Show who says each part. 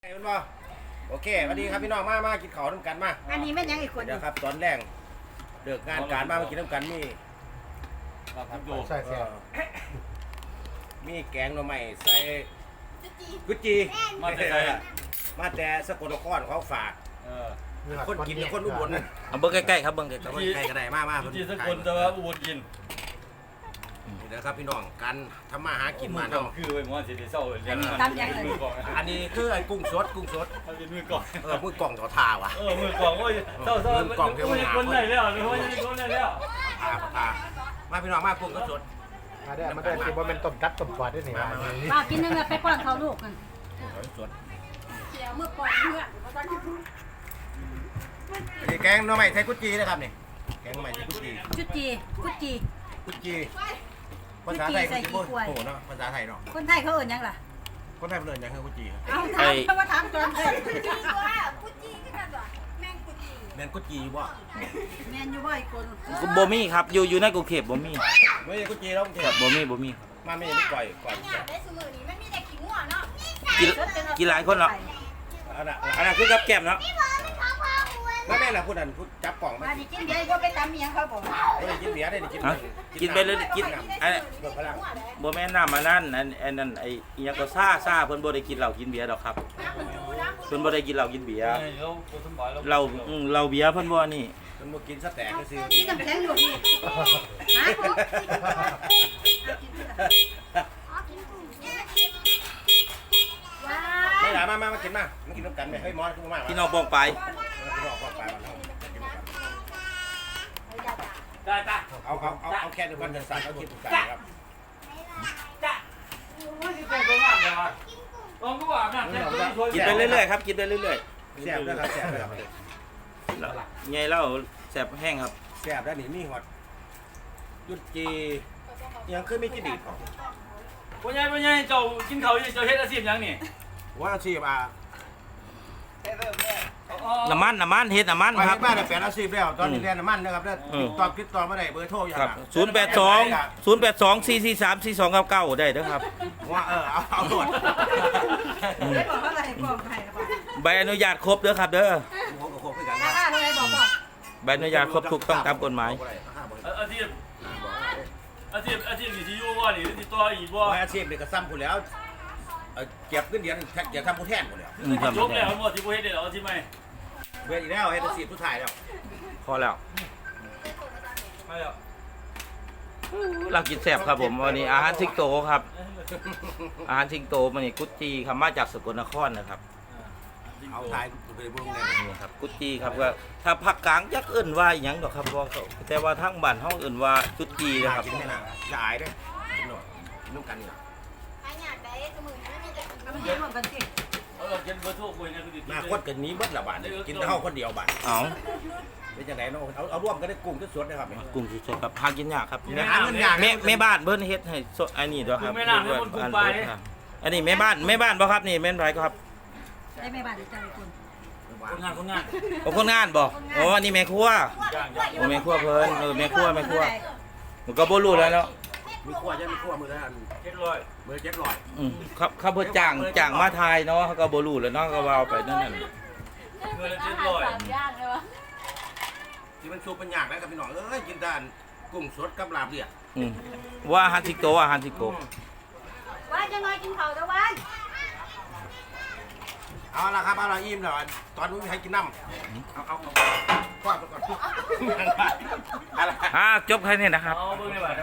Speaker 1: ไอ้มันบ่โอเคสวัสดีครับพี่น้องมากินข้าวน้ำกันมา
Speaker 2: อันนี้แม่นยังอีกคน
Speaker 1: เดี๋ยวครับตอนแรกเลิกงานการมากินน้ำกันนี่
Speaker 3: ใช่ครับ
Speaker 1: มีแกงหน่อไม้ใส่กุจีมาแต่สกลนครเขาฝากคนกินคนอุบล
Speaker 4: เอาเบิ้งใกล้ๆครับเบิ้งใกล้
Speaker 1: ใกล้ก็ได้มา
Speaker 3: จีสกุลแต่ว่าอุบลกิน
Speaker 1: เดี๋ยวครับพี่น้องการทำมาหากินมาเนาะ
Speaker 3: คือไปมอนสิเศร้าเลย มือกอง
Speaker 1: อันนี้คือไอ้กุ้งสด
Speaker 3: เขาเป็นมือกอง
Speaker 1: มือกล่องต่อทาวะ
Speaker 3: มือกองโอ้ยเศร้าคนไหนแล้วคนไหนแล้ว
Speaker 1: ทามาพี่น้องมากุ้งก็สด
Speaker 3: มาได้ที่ว่าเป็นต้มกัดต้มปลาได้หนิ
Speaker 2: ป้ากินนึงไปป้อนเขาลูกกัน
Speaker 1: สด
Speaker 2: เขียวเมื่อก่อนเมื่อ
Speaker 1: นี่แกงหน่อไม้ใส่กุจีนะครับนี่แกงหน่อไม้ใส่กุจี
Speaker 2: จุจีกุจี
Speaker 1: กุจีภาษาไทยกุจีโอ้โหเนาะภาษาไทยเนาะ
Speaker 2: คนไทยเขาเอ่ยยังล่ะ
Speaker 1: คนไทยเรียนยังคือกุจี
Speaker 2: เอาถามเขาว่าถามจนเลย
Speaker 5: กุจีตัวกุจีก็กันตัวแมงกุจี
Speaker 1: เรียนกุจีบ่
Speaker 2: แมนอยู่บ่อยคน
Speaker 4: ๆบ่มีครับอยู่ในกรุงเทพบ่มี
Speaker 1: ไม่ใช่กุจีแล้วเท
Speaker 4: ครับบ่มี
Speaker 1: มาไม่ใช่ก่อย
Speaker 5: อยากได้สมือนี้มันมีแต่ขี้งัวเนาะ
Speaker 4: กินหลายคนเหรอ
Speaker 1: อันนั้น
Speaker 4: อันนั้นคือกับแก้มเนาะ
Speaker 1: แม่ล่ะพูดอันพูดจับกล่องมา
Speaker 2: มาดิกินเบียร์ก็ไปตามเมียเขาบอก
Speaker 1: ไม่ได้กินเบียร์ได้กิน
Speaker 4: กินไปเลยกินอัน
Speaker 1: เบิกพลัง
Speaker 4: บ่แม่นน้ำอันนั้นอันนั้นไอ้อิหยังก็ซ่าเพิ่นบ่ได้กินเหล้ากินเบียร์ดอกครับเพิ่นบ่ได้กินเหล้ากินเบียร์เราเบียร์เพิ่นบ่นี่
Speaker 1: มันมากินสแต็กก็ซื้อ
Speaker 2: กินน้ำแข็งอยู่พี่ฮะ
Speaker 1: ไม่หลามากินมากินน้ำกันไหมเฮ้ยมอสขึ้นมา
Speaker 4: พี่น้องบ้องไป
Speaker 1: พี่น้องบอกไปวันน้อง
Speaker 3: จ้า
Speaker 1: เอาแค่ในวันเดือนสามเขาคิดถูกใจครับ
Speaker 3: ไม่ใช่ตัวงามเลยว่ะลองดูว่าแม่
Speaker 4: กินไปเรื่อยๆครับกินไปเรื่อย
Speaker 1: แซ่บนะครับแซ่บนะครับ
Speaker 4: ๆไงเล่าแซ่บแห้งครับ
Speaker 1: แซ่บแล้วนี่มีหอดยุดจียังคือไม่จีดีของ
Speaker 3: พ่อใหญ่เจ้ากินเขาเจ้าเฮ็ดอาชีพยังนี่
Speaker 1: ว่าอาชีพ
Speaker 4: น้ำมันเฮ็ดน้ำมัน
Speaker 1: ไป
Speaker 4: ครับ
Speaker 1: บ้านแปดอาชีพแล้วตอนนี้เรียนน้ำมันนะครับแล้วติดต่อมาได้เบอร์โทรอย่าง
Speaker 4: ครับ 082 443 4299ได้เด้อครับ
Speaker 1: ว่าเอาตรวจ
Speaker 2: ได้บอกเขาอะไรบอกใครบอก
Speaker 4: ใบอนุญาตครบเด้อครับเด้อ
Speaker 1: หัวกับโคกด้วยกัน
Speaker 2: ราคาเท่าไรบอก
Speaker 4: ใบอนุญาตครบถูกต้องตามกฎหมาย
Speaker 3: อาชีพนี่ที่อยู่ว่านี่ที่ตัวอีบ่
Speaker 1: อาชีพนี่ก็ซ้ำกูแล้วเก็บเงินเดือนอย่าทำกูแทนกูแล้ว
Speaker 3: จบแล้วหมดที่บ่เฮ็ดได้แล้วที่ไม่
Speaker 1: เบื่ออีกแล้วเฮ็ดอาชีพผู้ชายแล้ว
Speaker 4: พอแล้ว
Speaker 3: ไม่แล้ว
Speaker 4: เรากินแซ่บครับผมวันนี้อาหารสิงโตครับ อาหารสิงโตมันนี่กุจีครับมาจากสกลนครนะครับ
Speaker 1: เอาทายกูไปบุ้งเลย
Speaker 4: นี่ครับกุจีครับก็ถ้าภาคกลางยักเอิ่นว่าอหยังดอกครับว่าเขาแต่ว่าทั้งบ้านห้องเอิ่นว่ากุจีนะครับ
Speaker 1: กินไม่นานอย่าอายด้วยกินหน่อยกินน้ำกันนี่
Speaker 5: ใครอยากได้สมือนี้มันมีแต่ขี้
Speaker 2: เอาไปกินหมดกันสิ
Speaker 3: เราเขียนเบอร์โทรคุยนะคือ
Speaker 1: หน้าคดกันนี้เบิดละบาทเลยกินแต่เท่าคนเดียวบาท
Speaker 4: เอา
Speaker 1: เป็นจังไดเนาะเอาร่วมกันได้กุ้งก็สดนะครับ
Speaker 4: กุ้งสดๆครับหากินยากครับ
Speaker 1: หาเงินยาก
Speaker 4: แม่บ้านเพิ่นเฮ็ดให้สดอันนี้ด้วยครับ
Speaker 3: แม่น้ำให้คนกุ้งไป
Speaker 4: อันนี้แม่บ้านบ่ครับนี่แม่นไรครับ
Speaker 2: ได้ไม่บาดใจคน
Speaker 3: คนงาน
Speaker 4: โอ้คนงานบ่โอ้อันนี้แม่ครัว
Speaker 3: ย่าง
Speaker 4: โอ้แม่ครัวเพิ่นแม่ครัวมันก็บ่รู้แล้วเนาะ
Speaker 1: มีขั้วจะมีขั้วมือละอัน
Speaker 3: 700
Speaker 1: มือ700
Speaker 4: ครับเขาเพิ่นจ้างมาทายเนาะเขาก็บ่รู้แล้วเนาะก็ว่าไปนั่นน่ะ
Speaker 3: เงินละ
Speaker 5: ยากเลยวะ
Speaker 1: ที่มันชุบเป็นยากนะกับพี่น้องกินด้านกุ้งสดกับลาบเลียด
Speaker 4: ว่าอาหารสิงโต
Speaker 5: ว่าจะน้อยกินเขาตะวัน
Speaker 1: เอาละครับเอาละอิ่มแล้วตอนนี้ให้กินน้ำเอาก่อนอะไร
Speaker 4: จบแค่นี้นะครับ
Speaker 3: เอาเบิ่งได้บ่